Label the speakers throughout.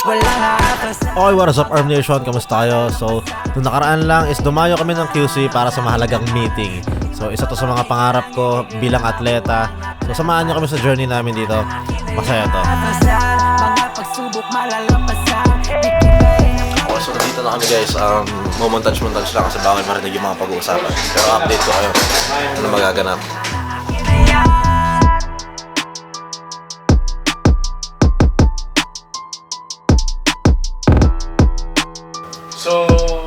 Speaker 1: Okay, what is up, Arm Nation? Kamusta tayo? So, nung nakaraan lang is dumayo kami ng QC para sa mahalagang meeting. So, isa to sa mga pangarap ko bilang atleta. So, samahan nyo kami sa journey namin dito. Masaya to. So, dito na kami guys. Montage lang kasi baka may marinig yung mga pag-uusapan. Pero update ko kayo. Ano magaganap. So,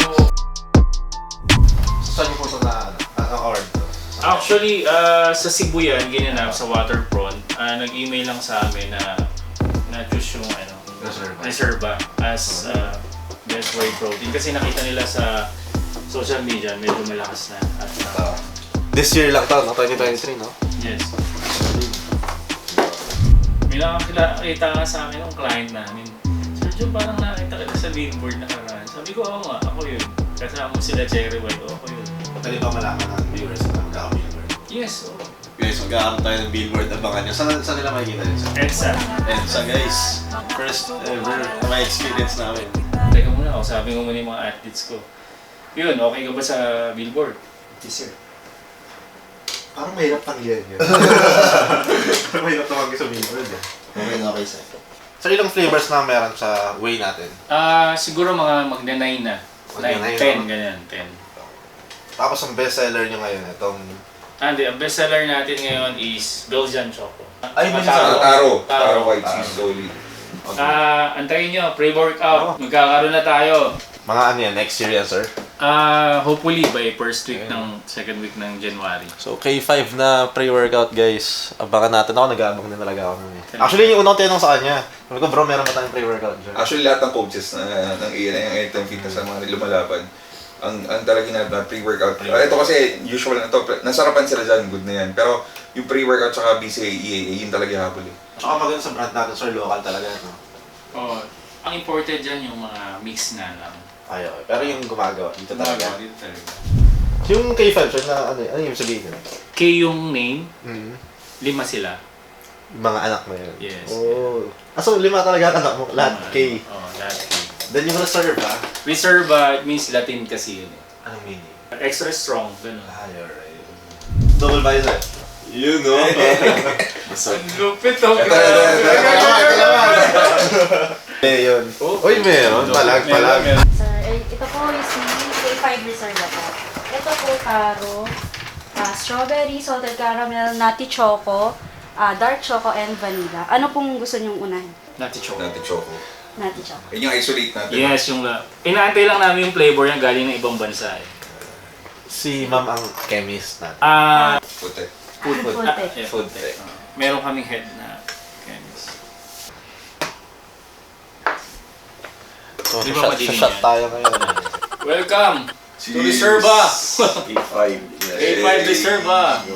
Speaker 1: saan yung punto na award?
Speaker 2: Actually, sa Cebu yan, ginanap sa Waterfront. Nag-email lang sa amin na na-choose yung Reserva as best whey protein. Kasi nakita nila sa social media, medyo malakas na. At,
Speaker 1: This year lang to, no? 2023, no?
Speaker 2: yes. May nakakita nga sa akin yung client namin. Sergio, parang nakita kita sa billboard na karaan. Sabi ko, oo nga, ako yun. Kasama mo sila Cherry White, ako yun.
Speaker 1: Pwede ba malaman ng viewers na magkaka-billboard?
Speaker 2: Yes, oo.
Speaker 1: Guys, magkakaroon tayo ng billboard. Abangan nyo. Saan nila makikita yun?
Speaker 2: EDSA.
Speaker 1: EDSA, guys. First ever na may experience namin.
Speaker 2: Teka muna, sabi ko muna yung mga athletes ko. Yun, okay ka ba sa billboard?
Speaker 3: Yes, sir.
Speaker 1: Parang mahirap tanggihan yun. Parang mahirap tumanggi sa billboard.
Speaker 3: Okay, sir.
Speaker 1: So, ilang flavors na meron sa whey natin?
Speaker 2: Siguro mga magna-9 na.
Speaker 1: Magna-9,
Speaker 2: 10,
Speaker 1: no?
Speaker 2: ganyan, 10.
Speaker 1: Tapos ang bestseller nyo ngayon, itong...
Speaker 2: Hindi, ang bestseller natin ngayon is Belgian Choco.
Speaker 1: Ay, may
Speaker 4: Taro white cheese solid.
Speaker 2: Antayin nyo, pre-workout. Magkakaroon na tayo.
Speaker 1: Mga ano yan, next year yan, sir?
Speaker 2: Hopefully by first week ng second week ng January.
Speaker 1: So, K5 na pre-workout, guys. Abangan natin. Ako, nag-aabang din talaga ako nun eh. Actually, yung unang tinanong sa kanya, sabi ko, bro, meron ba tayong pre-workout dyan?
Speaker 4: Actually, lahat ng coaches ng Anytime Fitness sa mga lumalaban, ang talaga na pre-workout. Ito kasi usual na ito, nasarapan sila dyan, good na yan. Pero yung pre-workout tsaka BCA, EAA, yun talaga habol eh.
Speaker 1: Tsaka maganda sa brand natin, sir, local talaga, no?
Speaker 2: Oh, ang imported dyan yung mga mix na lang.
Speaker 1: Ay, okay. Pero yung gumagawa, dito talaga.
Speaker 2: Dito talaga.
Speaker 1: Yung K5, sir, na ano yung sabihin yun?
Speaker 2: K yung name, 5 sila.
Speaker 1: Yung mga anak mo yun?
Speaker 2: Yes.
Speaker 1: Oh. So, 5 talaga anak mo? Lahat K?
Speaker 2: Oo, lahat K.
Speaker 1: Then yung reserve, ha?
Speaker 2: Reserva means Latin kasi yun eh.
Speaker 1: Anong meaning?
Speaker 2: Extra strong, gano'n.
Speaker 1: Ay, alright. Double visor. You know.
Speaker 2: Ang lupit oh.
Speaker 4: Ito.
Speaker 1: Yun. Uy, meron. Palag.
Speaker 5: Sir, ito po is K5 Reserva po. Ito po taro, strawberry, salted caramel, nutty choco, dark choco, and vanilla. Ano pong gusto niyong unahin?
Speaker 2: Nati choco.
Speaker 4: Natin choco.
Speaker 5: Nutty choco.
Speaker 4: Yun yung isolate natin.
Speaker 2: Yes, yung inaantay lang namin yung flavor niya galing ng ibang bansa eh.
Speaker 1: Si ma'am ang chemist natin.
Speaker 4: Puti.
Speaker 2: Food
Speaker 5: tech.
Speaker 2: yeah, food tech. Meron kaming head na chemist.
Speaker 1: So,
Speaker 2: Di ba madilim
Speaker 1: shot
Speaker 2: yan?
Speaker 1: tayo ngayon.
Speaker 2: Welcome to Reserva!
Speaker 4: A5.
Speaker 2: A5 Reserva!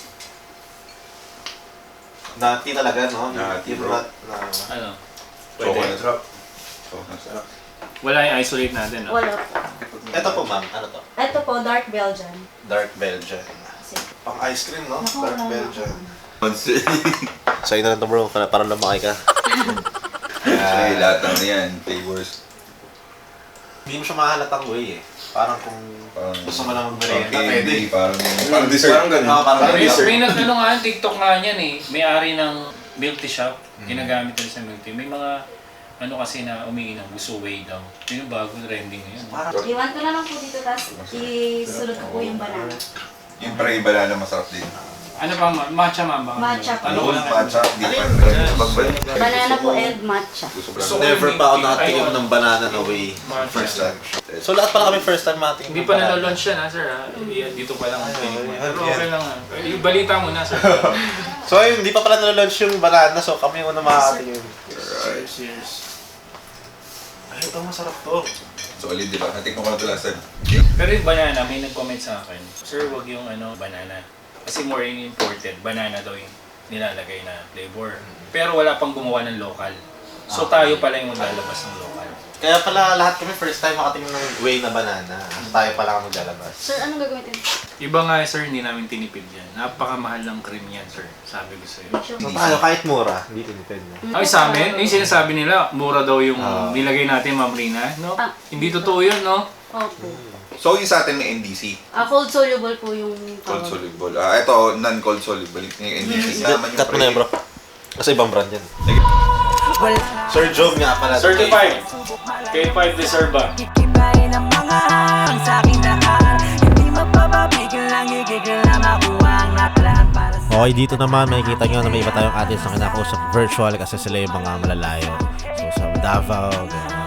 Speaker 1: Nati talaga, no?
Speaker 4: Nati,
Speaker 1: Yung
Speaker 4: bro.
Speaker 1: nut na...
Speaker 2: Ano?
Speaker 4: Choco na
Speaker 2: Pwede.
Speaker 4: drop. Choco na sarap.
Speaker 2: Wala yung isolate natin, no?
Speaker 5: Wala po.
Speaker 1: Ito po, ma'am. Ano to?
Speaker 5: Ito po, dark Belgian.
Speaker 1: Dark Belgian.
Speaker 5: Kasi,
Speaker 1: Pang ice cream, no?
Speaker 5: naku,
Speaker 1: Dark
Speaker 5: wala na
Speaker 1: Belgian.
Speaker 5: ako.
Speaker 1: Sa'yo na lang to, bro. Para lumaki ka.
Speaker 4: Actually, lahat ng yan, flavors.
Speaker 1: Hindi mo siya mahalatang whey eh. Parang kung gusto mo lang mag-merienda, pwede.
Speaker 4: Parang dessert. Parang ganun.
Speaker 1: Parang
Speaker 2: May nag-ano nga, TikTok nga niyan eh. May-ari ng milk tea shop. Ginagamit nila sa milk tea. May mga ano kasi na umiinom, gusto whey daw. Yun yung bagong trending ngayon.
Speaker 5: Iwan ko na lang po dito, tapos isulot ko po yung banana.
Speaker 4: Yung pre-banana masarap din.
Speaker 2: Ano pa? Matcha mamba?
Speaker 5: Matcha po.
Speaker 2: Ano ko lang?
Speaker 4: Matcha, di pa magbalik.
Speaker 5: Banana po and matcha.
Speaker 4: Gusto
Speaker 2: Gusto ko
Speaker 1: Never
Speaker 2: yung
Speaker 1: pa ako
Speaker 2: milk tea.
Speaker 1: nakatikim
Speaker 2: Ayun.
Speaker 1: ng banana na whey.
Speaker 2: Matcha.
Speaker 1: First time. So lahat pala kami first time matikim
Speaker 2: Hindi
Speaker 1: ng
Speaker 2: pa
Speaker 1: banana.
Speaker 2: nalalaunch yan ha, sir ha? Dito pa lang ang tinig mo.
Speaker 1: Ay,
Speaker 2: Pero
Speaker 1: yan.
Speaker 2: okay lang ha. Yung balita mo na, sir.
Speaker 1: So ayun, hindi pa pala nalalaunch yung banana, so kami yung una makakatingin.
Speaker 2: Cheers.
Speaker 1: Ay, ito masarap to.
Speaker 4: Solid, di ba? Natikman ko na ito last time.
Speaker 2: Pero yung banana, may nag-comment sa akin, sir, wag yung banana. Kasi more in imported, banana daw yung nilalagay na flavor. Pero wala pang gumawa ng local. So tayo pala yung maglalabas ng local.
Speaker 1: Kaya pala lahat kami first time makatingin ng Way na banana. Tayo pala ang maglalabas.
Speaker 5: Sir, anong gagamitin?
Speaker 2: Iba nga sir, hindi namin tinipid yan. Napakamahal ng cream yan sir, sabi ko sa'yo.
Speaker 1: So tayo kahit mura, hindi tinipid na.
Speaker 2: Ay sa amin, yung sinasabi nila, mura daw yung
Speaker 1: Ah.
Speaker 2: nilagay natin, Ma'am Rina. No?
Speaker 5: Ah.
Speaker 2: Hindi totoo yun, no?
Speaker 5: Opo.
Speaker 4: So yung sa atin may NDC,
Speaker 5: Cold soluble po yung
Speaker 4: cold
Speaker 5: tawag.
Speaker 4: soluble. Ito, non-cold soluble. Yung NDC naman yung
Speaker 1: Cut mo na yun bro. Kasi ibang brand yan. Sir Job nga pala.
Speaker 2: Certified. K5 Reserva.
Speaker 3: Ibahin ang mga hang sa aking daan. Hindi mapapapigil lang, igigil na makuha ang lahat para sa
Speaker 1: Okay, dito naman makikita nyo na may iba tayong artist na kinakausap virtual kasi sila yung mga malalayo. So sa Davao, gano'n.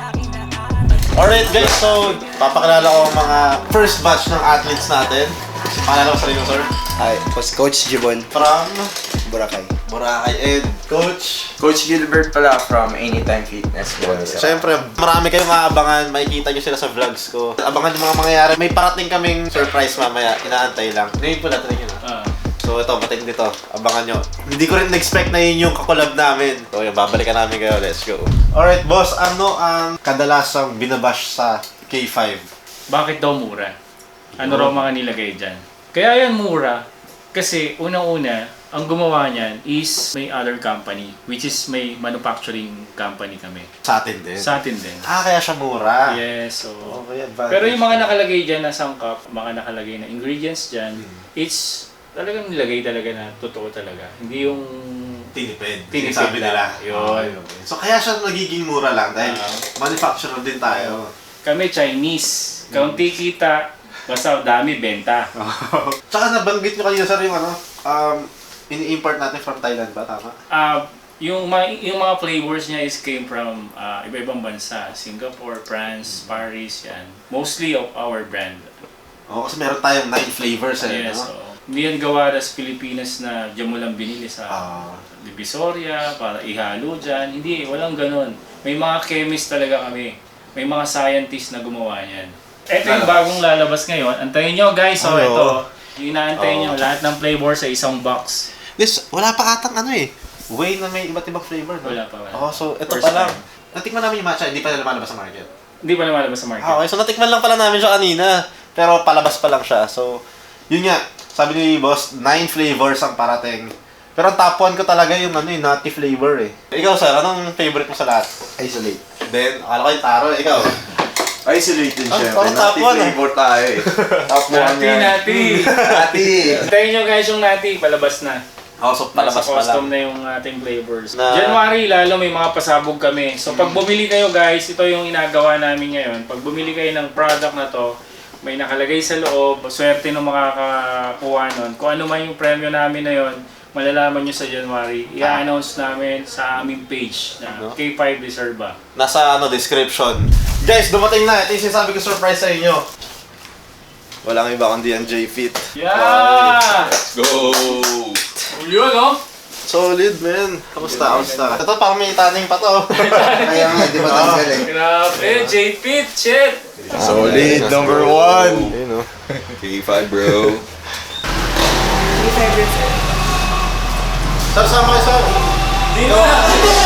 Speaker 1: Alright guys, so papakilala ko ang mga first batch ng athletes natin. Pangalan ko sa rin sir.
Speaker 6: Hi, Coach Jibon
Speaker 1: From
Speaker 6: Boracay.
Speaker 1: Boracay and Coach.
Speaker 6: Coach Gilbert pala from Anytime Fitness.
Speaker 1: Siyempre, marami kayong maabangan. Makikita nyo sila sa vlogs ko. Abangan yung mga mangyayari. May parating kaming surprise mamaya. Inaantay lang. Ngayon po natin yun. So ito, matindi dito. Abangan nyo. Hindi ko rin expect na yun yung kakolab namin. So yun, babalikan namin kayo. Let's go. Alright boss, ano ang kadalasang binabash sa K5?
Speaker 2: Bakit daw mura? Ano raw mga nilagay dyan? Kaya yan mura, kasi unang-una, ang gumawa niyan is may other company, which is may manufacturing company kami.
Speaker 1: Sa atin din.
Speaker 2: Sa atin din.
Speaker 1: Kaya siya mura.
Speaker 2: Yes, so...
Speaker 1: Okay, advantage.
Speaker 2: Pero yung mga nakalagay dyan na sangkap, mga nakalagay na ingredients dyan, it's talagang nilagay talaga na totoo talaga. Hindi yung...
Speaker 1: Tinipid.
Speaker 2: Tinipid
Speaker 1: Sabi nila.
Speaker 2: lang. Yun.
Speaker 1: Okay. So kaya siya nagiging mura lang dahil manufacturer din tayo.
Speaker 2: Kami Chinese, kaunti kita, basta dami benta.
Speaker 1: Tsaka nabanggit nyo kanina sir yung ano, ini-import natin from Thailand ba? Tama?
Speaker 2: Yung mga flavors niya is came from iba-ibang bansa, Singapore, France, Paris, yan. Mostly of our brand.
Speaker 1: Oo, kasi meron tayong 9 flavors eh.
Speaker 2: Yes,
Speaker 1: no?
Speaker 2: so, hindi yan gawa sa Pilipinas na diyan mo lang binili sa Divisoria para ihalo dyan. Hindi, walang ganun. May mga chemist talaga kami. May mga scientists na gumawa niyan. Ito yung bagong lalabas ngayon. Antayin nyo guys, so
Speaker 1: Ay,
Speaker 2: ito.
Speaker 1: oo.
Speaker 2: Yung inaantayin nyo, lahat ng flavor sa isang box.
Speaker 1: This, wala pa atang ano eh. Way na may iba't ibang flavor, no?
Speaker 2: Wala pa, wala.
Speaker 1: Oo, so ito
Speaker 2: First
Speaker 1: pa lang.
Speaker 2: time.
Speaker 1: Natikman namin yung matcha, hindi pa na lumalabas sa market.
Speaker 2: Hindi pa lumalabas sa market.
Speaker 1: Okay, so natikman lang pala namin siya kanina. Pero palabas pa lang siya. So, yun nga. Sabi ni boss, 9 flavors ang parating. Pero ang top 1 ko talaga yung ano, yung nutty flavor eh. Ikaw sir, anong favorite mo sa lahat?
Speaker 6: Isolate.
Speaker 1: Then, akala ko yung taro. Ikaw?
Speaker 6: Isolate din
Speaker 1: Ah,
Speaker 6: syempre.
Speaker 1: parang top
Speaker 6: Nati
Speaker 1: one,
Speaker 6: flavor tayo eh. Top 1 yan.
Speaker 2: Nati!
Speaker 6: Nati!
Speaker 2: Antayin nyo guys yung nati, palabas na.
Speaker 1: Oh, so palabas
Speaker 2: Nasa
Speaker 1: pa
Speaker 2: custom
Speaker 1: lang.
Speaker 2: na yung ating flavors.
Speaker 1: Na-
Speaker 2: January, lalo may mga pasabog kami. So pag bumili kayo guys, ito yung inagawa namin ngayon. Pag bumili kayo ng product na to, may nakalagay sa loob, swerte nung makakakuha nun. Kung ano man yung premyo namin na yon, malalaman nyo sa January. I-announce namin sa aming page na
Speaker 1: No?
Speaker 2: K5 Reserva.
Speaker 1: Nasa ano, description. Guys, dumating na. Ito yung sinasabi ko surprise sa inyo. Walang iba kundi ang J-Fit.
Speaker 2: Yeah!
Speaker 4: Go!
Speaker 2: Yun, no?
Speaker 1: Solid, man. Kamusta? Kamusta? Ito, parang may taning pa to.
Speaker 6: Kaya nga, di ba tanggal eh.
Speaker 2: Grabe, J-Fit, shit!
Speaker 6: Solid, number 1!
Speaker 1: Ayun, no?
Speaker 4: K5 bro.
Speaker 1: Sir, sama kayo, sir.
Speaker 2: Dito na!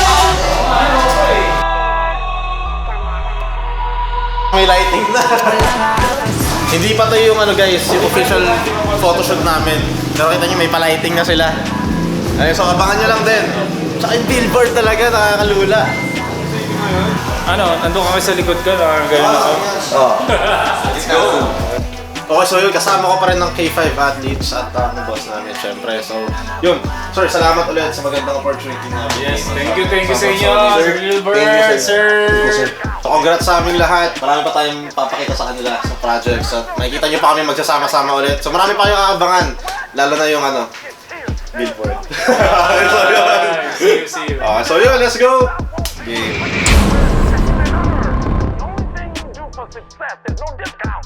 Speaker 1: May lighting na. Hindi pa to yung ano guys, yung official photoshoot namin. Pero kita nyo, may pa-lighting na sila. Ayun, so abangan nyo lang din. Tsaka yung billboard talaga, nakakalula.
Speaker 2: Ano, nandun kami sa likod ko, nakagano'n ako.
Speaker 4: Let's go!
Speaker 1: Okay, so yun, kasama ko pa rin ng K5 athletes at ang boss namin, syempre. So, yun. Sir, salamat ulit sa magandang opportunity namin.
Speaker 2: Yes, thank you sa inyo, Sir Gilbert,
Speaker 1: Thank you,
Speaker 2: sir.
Speaker 1: So, congrats sa aming lahat. Marami pa tayong papakita sa kanila sa projects. At makikita nyo pa kami magsasama-sama ulit. So, marami pa kayong aabangan. Lalo na yung ano, billboard. So, yun.
Speaker 2: See you.
Speaker 1: Okay, so yun, let's go! Game.
Speaker 7: Success, there's no discount.